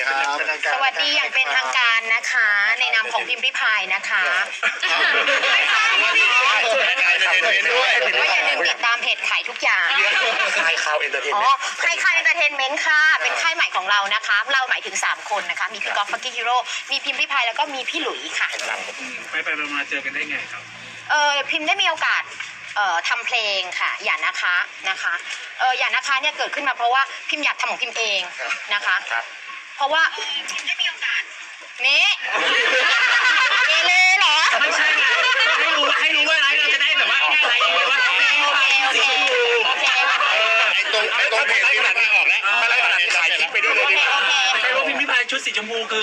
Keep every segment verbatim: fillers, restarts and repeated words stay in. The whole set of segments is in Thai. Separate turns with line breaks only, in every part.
สวัสดีอย่างเป็นทางการนะคะในนามของพิมพ์ริพายนะคะไม่ใช่พี่ว่าอย่าลืมติดตามเพจขายทุกอย่าง
ค่ายข่าวเอนเตอร์เทนเมนต์
อ๋อค่ายข่าวเอนเตอร์เทนเมนต์ค่ะเป็นค่ายใหม่ของเรานะคะเราหมายถึงสามคนนะคะมีพี่กอล์ฟฟักกี้ฮีโร่มีพิมพ์ริพายแล้วก็มีพี่หลุยค่ะ
ไปไปมาเจอกันได้ไงครับ
เออพิมพ์ได้มีโอกาสเอ่อทำเพลงค่ะอย่านะคะนะคะเอออย่านะคะเนี่ยเกิดขึ้นมาเพราะว่าพิมพ์อยากทำของพิมพ์เองนะคะเพราะว่าพิมพ์ได้มีโอกาสนี่เอเลเหรอ
ไม่ใช่ไงให้รู้ให้รู้ว่าอะไรเราจะได้แบบว่าแค่อะไรแบบว่า
โอเคโอเคโอเค
ไอ้ตรงไอ้ตรงเพจที่หลังไม่ออกแล้วไม่ไล่ขนาดนี้ขายคลิปไปด้วยเลยดีกว่า
ใครรู้พิมพ์พิพายชุดสีชมพูคือ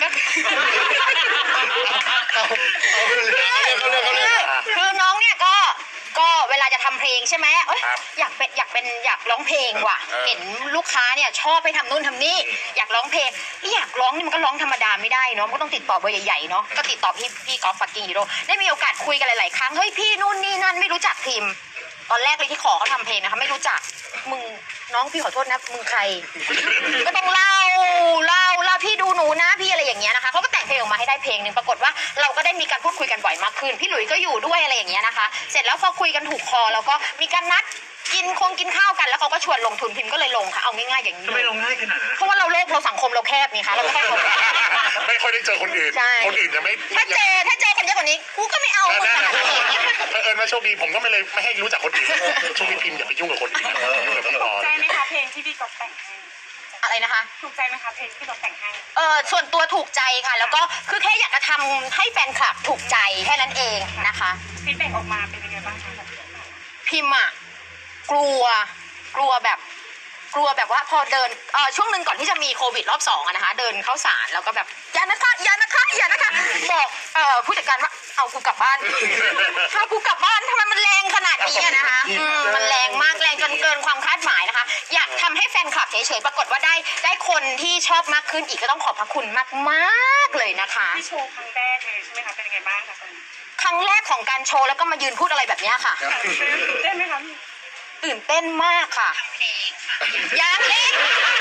คือน้องเนี่ยก็ก็เวลาจะทำเพลงใช่ไหมเอ้ยอยากเป็นอยากเป็นอยากร้องเพลงว่ะเห็นลูกค้าเนี่ยชอบไปทำนู่นทำนี่อยากร้องเพลงที่อยากร้องนี่มันก็ร้องธรรมดาไม่ได้เนาะมันก็ต้องติดต่อเบอร์ใหญ่ๆเนาะก็ติดต่อพี่พี่กอล์ฟฟักกิ้งฮีโร่ได้มีโอกาสคุยกันหลายๆครั้งเฮ้ยพี่นู่นนี่นั่นไม่รู้จักพิมพ์ตอนแรกเลยที่ขอเขาทำเพลงนะคะไม่รู้จักมึงน้องพี่ขอโทษนะมึงใครก็ต้องเล่าเล่าเล่าพี่ดูหนูนะพี่อะไรอย่างเงี้ยนะคะเขาก็แต่งเพลงออกมาให้ได้เพลงหนึ่งปรากฏว่าเราก็ได้มีการพูดคุยกันบ่อยมากขึ้นพี่หลุยก็อยู่ด้วยอะไรอย่างเงี้ยนะคะเสร็จแล้วพอคุยกันถูกคอแล้วก็มีการนัดกินคงกินข้าวกันแล้วเขาก็ชวนลงทุนพิมพ์ก็เลยลงค่ะเอาง่ายๆอย่างนี้
ทำไมลงง่ายขนาดนั้น
เพราะว่าเราโลกเราสังคมเราแคบนี่ค่ะเราไม่ค่อยคน
ไม่ค่อยได้เจอคนอื่นคนอื่นจะไม่
ถ้าเจอถ้าเจอคนเยอะกว่านี้กูก็ไม่เอาคนขนาดนี้
เออมาโชคดีผมก็ไม่เลยไม่ให้รู้จักคนอื่นช่วงนี้พิมพ์อย่าไปยุ่งกับคนอื่น
ถูกใจไหมคะเพลงที่พี่ก๊อฟแต่งให้
อะไรนะคะ
ถูกใจไหมคะเพลงที่พี่ก๊อฟแต่งให้
เออส่วนตัวถูกใจค่ะแล้วก็คือแค่อยากจะทำให้แฟนคลับถูกใจแค่นั้นเองนะคะ
ฟีดแบ็กออกมาเป็นยังไงบ้างคะ
พิมอะกลัวกลัวแบบกลัวแบบว่าพอเดินเออช่วงหนึ่งก่อนที่จะมีโควิดรอบสองอะนะคะเดินเข้าสารแล้วก็แบบอย่านะคะอย่านะคะอย่านะคะบอกเอ่อผู้จัดการว่าเอากูกลับบ้านเอากูกลับบ้านทำไมมันแรงขนาดนี้นะคะมันแรงมากแรงจนเกินความคาดหมายนะคะอยากทำให้แฟนคลับเฉยๆปรากฏว่าได้ได้คนที่ชอบมากขึ้นอีกก็ต้องขอบพระคุณมากๆเลยนะคะ
ที่โชว์ครั้งแรกเลยใช่ไหมคะเป็นยังไงบ้างคะ
ครั้งแรกของการโชว์แล้วก็มายืนพูดอะไรแบบนี้ค่ะ
ได้ไหมคะ
ตื่นเต้นมากค่ะยังเล็ก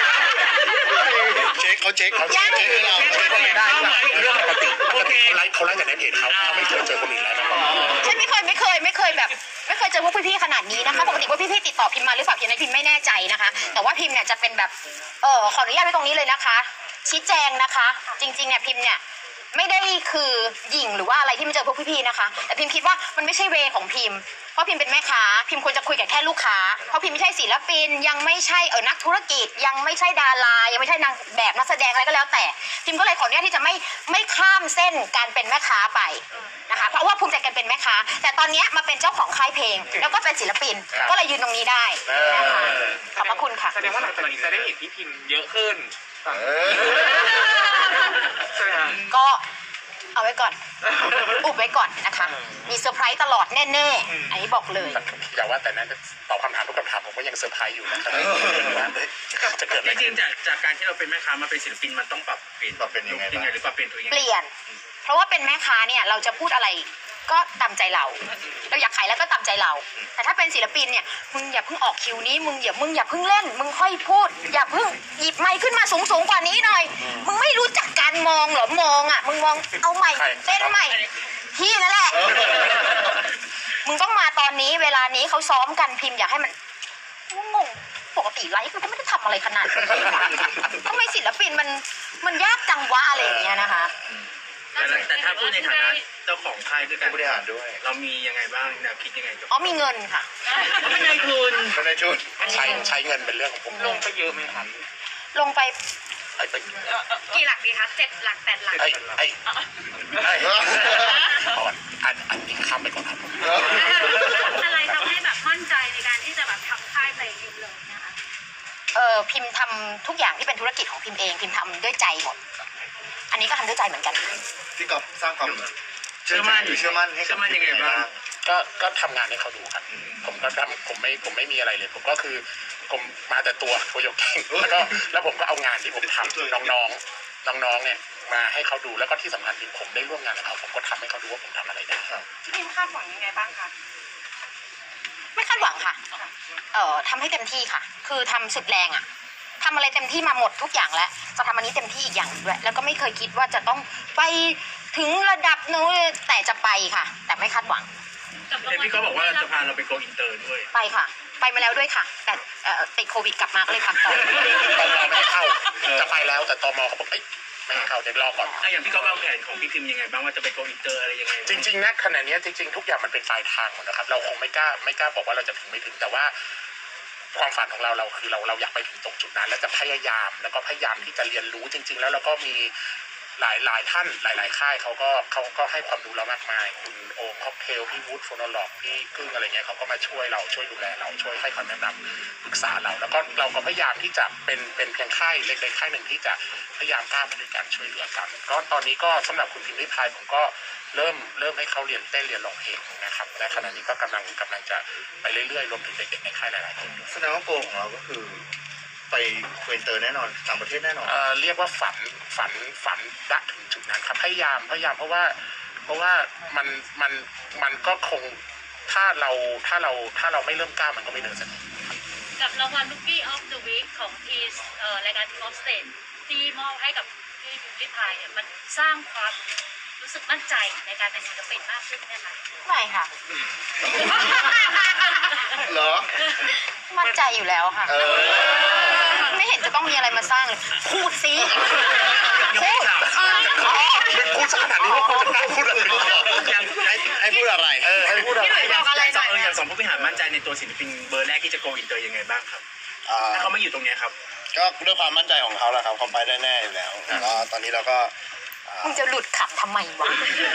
เช็คเขาเช็คเขาเช็คให้เราได้เรื่องปกติปกติเขาไลฟ์เขาไลฟ์จากในเพจเขาเขาไม่เคยเจอคนอื่นแล้วนะ
ฉันไม่เคยไม่เคยไม่เคยแบบไม่เคยเจอพวกพี่ๆขนาดนี้นะคะปกติว่าพี่ๆติดต่อพิมพ์มาหรือเปล่าพิมพ์ในพิมพ์ไม่แน่ใจนะคะแต่ว่าพิมพ์เนี่ยจะเป็นแบบเออขออนุญาตไว้ตรงนี้เลยนะคะชี้แจงนะคะจริงๆเนี่ยพิมพ์เนี่ยไม่ได้คือหยิ่งหรือว่าอะไรที่มันเจอพวกพี่ๆนะคะแต่พิมพ์คิดว่ามันไม่ใช่เวของพิมพ์เพราะพิมพ์เป็นแม่ค้าพิมพ์ควรจะคุยกับแค่ลูกค้าเพราะพิมพ์ไม่ใช่ศิลปินยังไม่ใช่เออนักธุรกิจยังไม่ใช่ดารายังไม่ใช่นางแบบนักแสดงอะไรก็แล้วแต่พิมพ์ก็เลยขออนุญาตที่จะไม่ไม่ข้ามเส้นการเป็นแม่ค้าไปนะคะเพราะว่าภูมิใจกันเป็นแม่ค้าแต่ตอนนี้มาเป็นเจ้าของค่ายเพลงแล้วก็เป็นศิลปินก็เลยยืนตรงนี้ได้นะคะขอบพระคุณค่ะ
แสดงว่าหลังจากนี้จะได้เห็นพี่พิมพ์เยอะขึ้นใช่ไหม
ก็เอาไว้ก่อนอุบไว้ก่อนนะคะมีเซอร์ไพรส์ตลอดแน่ๆอันนี้บอกเลย
อย่าว่าแต่นั้นตอบคำถามทุกคำถามผมก็ยังเซอร์ไพรส์อยู่นะครับจะเกิดอะไร
จริงๆจากจากการที่เราเป็นแม่ค้ามาเป็นศิลปินมันต้องปรับเปลี่ยน
ปรับเป็นยังไง
หรือปรับเปลี่ยนตัวเอง
เปลี่ยนเพราะว่าเป็นแม่ค้าเนี่ยเราจะพูดอะไรก็ตามใจเราเราอยากขายแล้วก็ตามใจเราแต่ถ้าเป็นศิลปินเนี่ยมึงอย่าเพิ่งออกคิวนี้มึงอย่ามึงอย่าเพิ่งเล่นมึงค่อยพูดอย่าเพิ่งหยิบไมค์ขึ้นมาสูงสูงกว่านี้หน่อยมึงไม่รู้จักการมองเหรอมองอ่ะมึงมองเอาใหม่เต้นใหม่ที่นั่นแหละมึงต้องมาตอนนี้เวลานี้เขาซ้อมกันพิมพ์อย่าให้มันงงปกติไลฟ์มันก็ไม่ได้ทำอะไรขนาดนี้ทำไมศิลปินมันมันยากจังวะอะไรอย่างเงี้ยนะคะ
แต่ถ้าพูดในฐานะเจ้าของค่ายด้วยกัน
บริหารด้วย
เรามียังไงบ้างแนวคิดยังไง
อ๋อมีเงินค่ะ
เป็นนายทุน
เป็นนายทุนใช้ใช้เงินเป็นเรื่องของผม
ลงไปเยอะไหมครับ
ลงไป
กี่หลักดีคะเจ็ดหลักแปดหลัก
ไอ้ไอ้ไอ้อันอันนี้ข้ามไปก่อนครับ
อะไรทำให้แบบมั่นใจในการที่จะแบบทำค่ายเพลงเองเลยนะคะ
เออพิมพ์ทำทุกอย่างที่เป็นธุรกิจของพิมพ์เองพิมพ์ทำด้วยใจหมดอันนี้ก็ทำด้วยใจเหมือนกัน
พี่ก๊อฟสร้างความ
เชื่อมั่น
เชื่อมั่นให้
เชื่อมั่นยังไงบ้าง
ก็ก็ทำงานให้เขาดูครับผมก็ทำผมไม่ผมไม่มีอะไรเลยผมก็คือผมมาแต่ตัวตัวยกเก่งแล้วก็แล้วผมก็เอางานที่ผมทำน้องๆน้องๆเนี่ยมาให้เขาดูแล้วก็ที่สำคัญคือผมได้ร่วมงานกับเขาผมก็ทำให้เขาดูว่าผมทำอะไรได้
ที่พิมคาดหวังยังไงบ้างคะ
ไม่คาดหวังค่ะเอ่อทำให้เต็มที่ค่ะคือทำสุดแรงอ่ะทำอะไรเต็มที่มาหมดทุกอย่างแล้วจะทำอันนี้เต็มที่อีกอย่างหนึ่งด้วยแล้วก็ไม่เคยคิดว่าจะต้องไปถึงระดับนู้นแต่จะไปค่ะ แต่ไม่คาดหวัง
เห็นพี่ก็บอกว่าจะพาเราไปโกอินเตอร์ด้วย
ไปค่ะ ไปมาแล้วด้วยค่ะ แต่เอ่อติดโควิดกลับมาก็เลยพักต่อ
ตมไม่ให้เข้าจะไปแล้วแต่ตมเขาบอกเอ้ยไม่ให้เข้าเดี๋ยวรอก่อน
อ่ะอย่างพี่ก็วางแผนของพี่พิมพ์ยังไงบ้างว่าจะไปโกอินเตอร์อะไรยังไง
จริงๆนะขณะนี้จริงๆทุกอย่างมันเป็นปลายทางหมดนะครับเราคงไม่กล้าไม่กล้าบอกว่าเราจะถึงไม่ถึงแต่ว่าความฝันของเราเราคือเราเราอยากไปถึงตรงจุดนั้น แล้วจะพยายามแล้วก็พยายามที่จะเรียนรู้จริง ๆ แล้วเราก็มีหลายหลายท่านหลาย ๆ ค่ายเขาก็เขาก็ให้ความรู้เรามากมายคุณโอมค็อกเทลพี่วูดโฟโนล็อกพี่กึ้งอะไรเงี้ยเขาก็มาช่วยเราช่วยดูแลเราช่วยให้คำแนะนำปรึกษาเรา แล้วก็เราก็พยายามที่จะเป็นเป็นเพียงค่ายเล็กๆค่ายหนึ่งที่จะพยายามก้าวไปด้วยกันช่วยเหลือกันก็ตอนนี้ก็สำหรับคุณพิมพ์ริพายผมก็เริ่มเริ่มให้เขาเรียนเต้นเรียนร้องเพลงนะครับและขณะนี้ก็กำลังกำลังจะไปเรื่อยๆรวมถึงเด็กๆในค่ายหลายๆคนด้วย
แสดงว่าโกของเราก็คือไปโกอินเตอร์แน่นอนต่างประเทศแน่นอน
เอ่อเรียกว่าฝันฝันฝันรักถึงจุดนั้นครับพยายามพยายามเพราะว่าเพราะว่ามันมันมันก็คงถ้าเราถ้าเราถ้าเราไม่เริ่มก้าวมันก็ไม่เดินสักที
กับรางวัล Rookie of the Week ของทีเอ่อรายการ Team of Stage ที่มอบให้กับพี่พิมพ์ริพายเนี่ยมันสร้างความรู้สึกมั่นใจในการเป็นศิลปินมากขึ้นใช่ไหม
ไม่ค่ะ
เหรอ
มั่นใจอยู่แล้วค่ะ
เออ
ไม่เห็นจะต้องมีอะไรมาสร้างเลยพูดสิ
ยังไม่ถาม
พูดขนาดนี้ว่าคุณจะกล้าพูดอะไร
ยังไอ้
ให้พูดอะไร
เออให้พูดอะไร
พี่หลุยส์บอกอะไรหน่อย
เอออย่างสองผู้บริหารมั่นใจในตัวศิลปินเบอร์แรกที่จะโกอินเตอร์ยังไงบ้างครับ
อ่า
ถ้าเขาไม่อยู่ตรงเนี้ยครับ
ก็ด้วยความมั่นใจของเขาแหละครับเขาไปได้แน่อยู่แล้วแล้วก็ตอนนี้เราก็อ่า
มึงจะหลุดขำทำไมวะ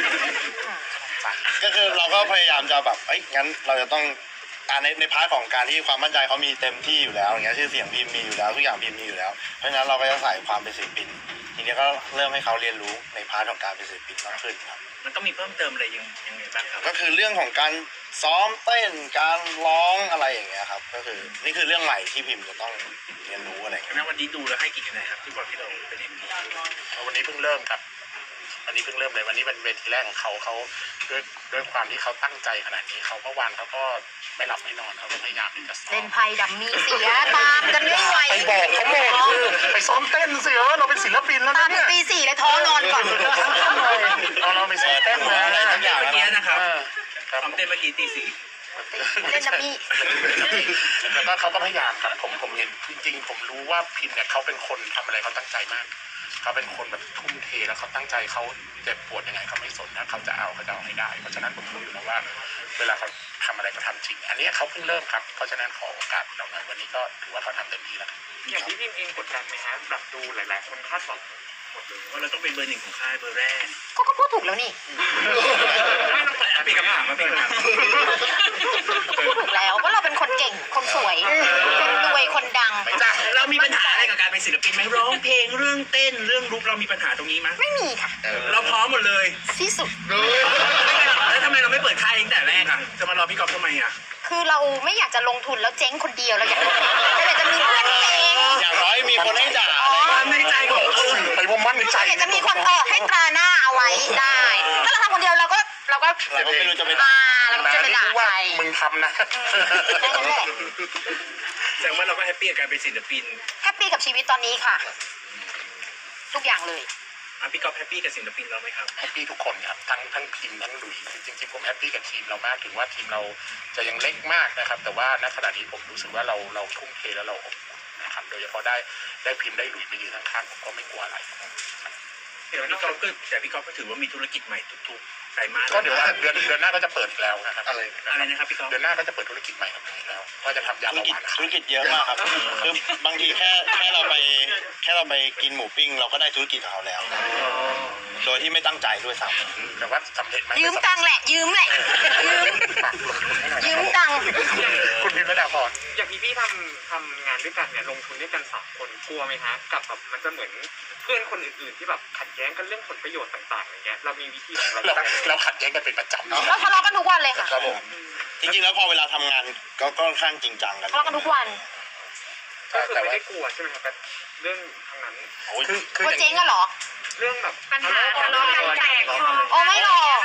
ก็คือเราก็พยายามจะแบบเอ้ยงั้นเราจะต้องอ่าในในพาร์ทของการที่ความมั่นใจเขามีเต็มที่อยู่แล้วอย่างเงี้ยชื่อเสียงพิมพ์มีอยู่แล้วทุกอย่างพิมพ์มีอยู่แล้วเพราะฉะนั้นเราก็จะใส่ความเป็นศิลปินทีนี้ก็เริ่มให้เขาเรียนรู้ในพาร์ทของการเป็นศิลปินมากขึ้นครับ
มันต้องมีเพิ่มเติมอะไรยังยังไงบ้างครับ
ก็คือเรื่องของการซ้อมเต้นการร้องอะไรอย่างเงี้ยครับก็คือนี่คือเรื่องใหม่ที่พิมพ์จะต้องเรียนรู้อะไรอย่างเงี้ย
งั้นวันนี้ดูแล้วให้กี่คะแนนครับที่บอกที่เราเป็นเอ็มดี
วันนี้เพิ่งเริ่มครับวันนี้เพิ่งเริ่มเลยวันนี้เป็นเวทีแรกของเขาเขาด้วยด้วยความที่เขาตั้งใจขนาดนี้เขาเมื่อวานเขาก็ไม่หลับไม่นอนเขาก็พยายามที่จะซ้อ
เล่
ม
นไพ่ดัมมี่เสียตามกันไม่ไหว
ไปบอกเขาหมดคือไปซ้อมเต้นสิเออเราเป็นศิลปินแล้ว
ตา
นะ
มถึ
เนี่
ง
ย
ตีสี่เลยท้อนอนก่อน
เราเราไปซ้อมเต้นมา
อะไรทุกอย่าง
เมื่อกี้นะครับ
เออครับ
ทำเต้นเมื่อกี้ตีสี่
เล่นดัมมี่
แล้วก็เขาก็พยายามครับผมผมเห็นจริงๆผมรู้ว่าพิมเนี่ยเขาเป็นคนทำอะไรเขาตั้งใจมากเขาเป็นคนแบบทุ่มเทแล้วเขาตั้งใจเขาเจ็บปวดยังไงเขาไม่สนนะเขาจะเอาเขาจะเอาให้ได้เพราะฉะนั้นผมรู้อยู่แล้วว่าเวลาเขาทำอะไรเขาทำจริง อันนี้เขาเพิ่งเริ่มครับเพราะฉะนั้นขอโอกาสเราหน่อยวันนี้ก็ถือว่าเขาทำเต็มที่แล้ว
อย่างที่พิมเองกดดันไหมฮะแบบดูหลาย ๆ คนคาดหวังหมดเลย
ว่าเราต้องเป็นเบอร์หนึ่งของค่ายเบอร์แรก
ก็ก็พูดถูกแล้วนี่
ไม่ต้อง
อ่ะเป็นคำถามมาเป็นคำถาม
พูดถูกแล้วว่าเราเป็นคนเก่งคนสวยคนรวยคนดัง
ไม่จ้ะ
เรามีปัญหาอะไรกับการเป็นศิลปินไหมร้องเพลงเรื่องเต้นเรื่องลุกเรามีปัญหาตรงนี้ไหม
ไม่มีค่ะ
เราพร้อมหมดเลย
ที่สุด
แล้วทำไมเราไม่เปิดค่ายตั้งแต่แรกอ่ะจะมารอพี่กอล์ฟทำไมอ่ะ
คือเราไม่อยากจะลงทุนแล้วเจ๊งคนเดียวเราอยากเราอยากจะมีเพื่อนเจ๊ง
อย่างน้อยมีคนให้ด่า
ความในใจของเออ
ไปว่ามั่นในใจ
เราอยากจะมีคนเออให้ตราหน้าเอาไว้ได้ถ้าเราทำคนเดียวเราก็เราก็
เราก็ไม่รู้จะไป
อ่าเราก็จะไปด่าใคร
ว่ามึงทำนะ
แค่นั้นแหละ
แสดงว่าเราก็แฮปปี้กับการเป็นศิลปิน
แฮปปี้กับชีวิตตอนนี้ค่ะ ทุกอย่างเลย
อ่ะพี่กอล์ฟแฮปปี้กับศิลปินเราไหมครับ
แฮปปี้ทุกคนครับทั้งทั้งพิมทั้งหลุยจริงๆผมแฮปปี้กับทีมเรามากถึงว่าทีมเราจะยังเล็กมากนะครับ แต่ว่าณขณะนี้ผมรู้สึกว่าเราเราทุ่มเทแล้วเราอบอุ่นนะครับโดยเฉพาะได้ได้พิมได้หลุยมายืนข้างๆผมก็ไม่กลัวอะไร
แต่พี่กอล์ฟก็แต่พี่กอล์ฟก็ถือว่ามีธุรกิจใหม่ทุกๆไตรมาส
ก็เดี๋ยวว่าเดือนเดือนหน้าก็จะเปิดอีกแล้วนะครับ
อะไร
อะไรนะครับพี่กอล์ฟ
เดือนหน้าก็จะเปิดธุรกิจใหม่กับผมอีกแล้วว่าจะทำยา
ธุร
เบาห
กิจ
วาน
ธุรกิจเยอะมากครับคือบางทีแค่แค่เราไปแค่เราไปกินหมูปิ้งเราก็ได้ธุรกิจกับเขาแล้ว โดยที่ไม่ตั้งใจด้วยซ้ำ
แต่ว่าสำเร็จไหม
ยืมตังค์แหละ ยืมแหละ ยืม
ฝากลงทุนให้หน่อย
ยืมตังค์
คุณพิมพ์ระดาพร
อย่างพี่พี่ทำทำงานด้วยกันเนี่ยลงทุนด้วยกันสามคนกลัวไหมฮะกับแบบมันจะเหมือนเพื่อนคนอื่น ๆ ที่แบบขัดแย้งกันเรื่องผลประโยชน์ต่าง ๆ อย่างเงี้ยเรามีวิธีของเรา
เรา
ตั้ง
เราขัดแย้งกันเป็นประจำ
เราทะเลาะกันทุกวันเลยค่ะ
ครับผมจริงๆแล้วพอเวลาทำงานก็ก็ค่อนข้างจริงจังกัน
ทะเลาะกันทุกวัน
ก็คือ
แต่
ไม่
ว่า
ได้กลัวใช่ไหมครับแต่เรื่องทางนั้น
คือคื
ก
อ
ลัว
อย่าง
เจ๊ง
นี้
อะเหรอ
เรื่องแบบ
ปัญหาทะเลาะกันแตกคอ
โอ้ไม่หรอก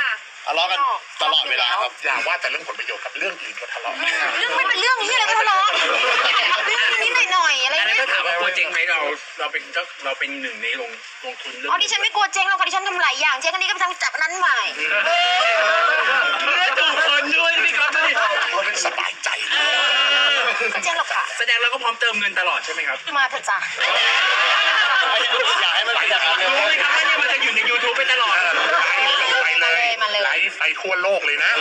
ทะเลาะกันตลอดเวลาครับ
อย่าว่าแต่เรื่องผลประโยชน์กับเรื่องอื่นก็ทะเลาะ
เรื่องไม่เป็นเรื่องที่อะไรก็ทะเลาะเรื่องนิดๆหน่อยๆอะไร
อันนั้น
เงี้
ถ้าย ถามว่ากลัวเจ๊งไหมเราเราเป็นเจ้าเราเป็นหนึ่งในลงลงทุนเรื่อง
อ๋อดิฉันไม่กลัวเจ๊งหรอกค่ะดิฉันทำหลายอย่างเจ๊งอันนี้ก็ไปทำจับอันนั้นใหม่
เลือกถูกคนด้วยพี่ก๊อฟด้วย
เป็นสบายใจ
ไม่เจ๊งหรอกค่ะ
แสดงเราก็พร้อมเติมเงินตลอดใช่ไหมครับ
มาเถอะจ้ะ
อยากให้มันเป็นอย่างนั้นเลย
รู้ไหมครับว่าเนี่ยมันจะอยู่ใน YouTube ไปตลอด
ไลฟ์ลงไปเลย
มาเลย
ไลฟ์ไปทั่วโลกเลยนะ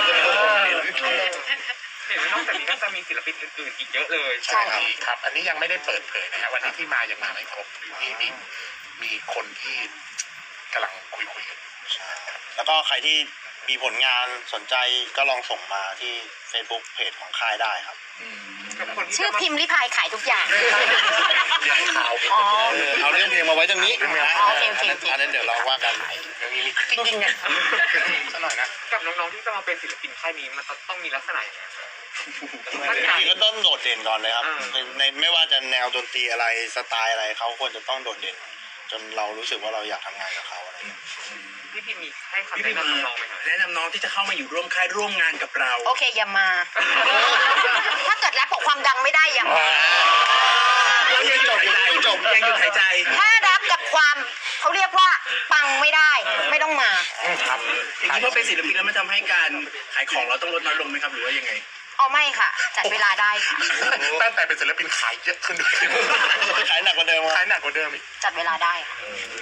เห็นว่านอกจากนี้ก็จะมีศิลปินอื่นๆอีกเยอะเลย
ใช่ค่ะ
มีครับ อันนี้ยังไม่ได้เปิดเผยนะฮะวันนี้ที่มายังมาไม่ครบมีมีมีคนที่กำลังคุยคุยๆกัน
แล้วก็ใครที่มีผลงานสนใจก็ลองส่งมาที่ Facebook เพจของค่ายได้ครับ
กับคนที่
ชื่อ
จะมา
พิมพ์ริพายขายทุกอย่าง
ใหญ่ข่าว
อ๋อ
เออเอาเรื่องเพลงมาไว้ตรงนี้นะ
อ๋อโอเคโอเคโอเค
อันนั้นเดี๋ยวเราว่ากัน
มีมีจริงๆเนี่ยสักหน่อยนะ
กับน้องๆที่จะมาเป็นศิลปินค่ายนี้มันต้องมีลักษณะอย่างไร
จริงๆก็ต้องโดดเด่นก่อนเลยครับ
อ่า
ในในไม่ว่าจะแนวดนตรีอะไรสไตล์อะไรเขาควรจะต้องโดดเด่น จนเรารู้สึกว่าเราอยากทำงานกับเขาอะไรอย่างเงี้ย
พี่พิมมีให้คำ
พี่
แนะ
พี่
นำน้องๆไหมครับ
แนะนำน้องที่จะเข้ามาอยู่ร่วมค่ายร่วมงานกับเรา
โอเคอย่ามา ถ้าเกิดรับกับความดังไม่ได้อย่ามา
เรายังหยุดหายใจจบยังหยุดหายใจ
ถ้ารับกับความเขาเรียกว่าปังไม่ได้ไม่ต้องมา
ครับ
อย่างนี้พอเป็นศิลปินแล้วมันทำให้การขายของเราต้องลดน้อยลงไหมครับหรือว่ายังไง
อ๋อไม่ค่ะ จัดเวลาได้ค่ะ
ตั้งแต่เป็นศิลปินขายเยอะขึ้นด้วย
ขายหนักกว่าเดิมค
ขา
รั
ย
บ
หนักกว่าเดิมอีก
จัดเวลาได้ค่ะ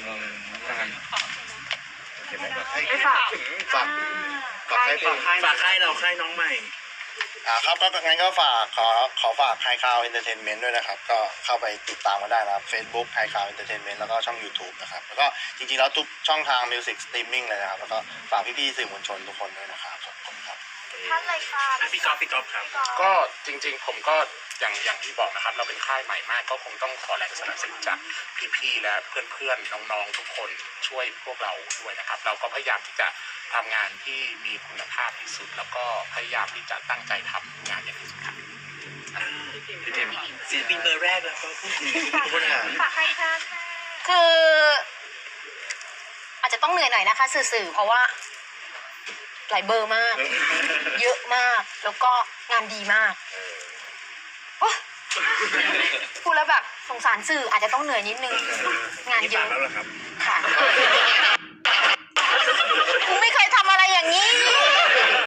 ให้ฝากถึง
ฝากฝากให้ฟัง
ฝากค่ายเราค่ายน้องใหม่
อ่าครับก็งั้นก็ฝากขอขอฝากไฮคาวเอนเตอร์เทนเมนต์ด้วยนะครับ ก็เข้าไปติดตามกันได้นะครับ Facebook ไฮคาวเอนเตอร์เทนเมนต์แล้วก็ช่อง YouTube นะครับแล้วก็จริงๆแล้วทุกช่องทางมิวสิกสตรีมมิ่งเลยนะครับแล้วก็ฝากพี่ๆสื่อมวลชนทุกคนด้วยนะครับขอบคุณครับ
ท่านเลยค่ะ
อ่ะพี่ก๊อฟพี่ก๊อฟครับ
ก็จริงๆผมก็อย่างอย่างที่บอกนะครับ เราเป็นค่ายใหม่มากก็คงต้องขอแรงสนับสนุนจากพี่ๆและเพื่อนๆน้องๆทุกคนช่วยพวกเราด้วยนะครับ เราก็พยายามที่จะทำงานที่มีคุณภาพที่สุด แล้วก็พยายามที่จะตั้งใจทำงานอย่างที่สุดครับ
พี่เจมส์ศิลปินเบอร์แรกแล้วก็พูดถึงคนหา
คือ อาจจะต้องเหนื่อยหน่อยนะคะ สื่อๆเพราะว่า หลายเบอร์มาก เยอะมาก แล้วก็งานดีมากโอ๊ยพูดแล้วแบบสงสารสื่ออาจจะต้องเหนื่อยนิดนึง งานเย
ฝา
อะ
กแล้วเหรอครับ
ค่ะ กูไม่เคยทำอะไรอย่างนี้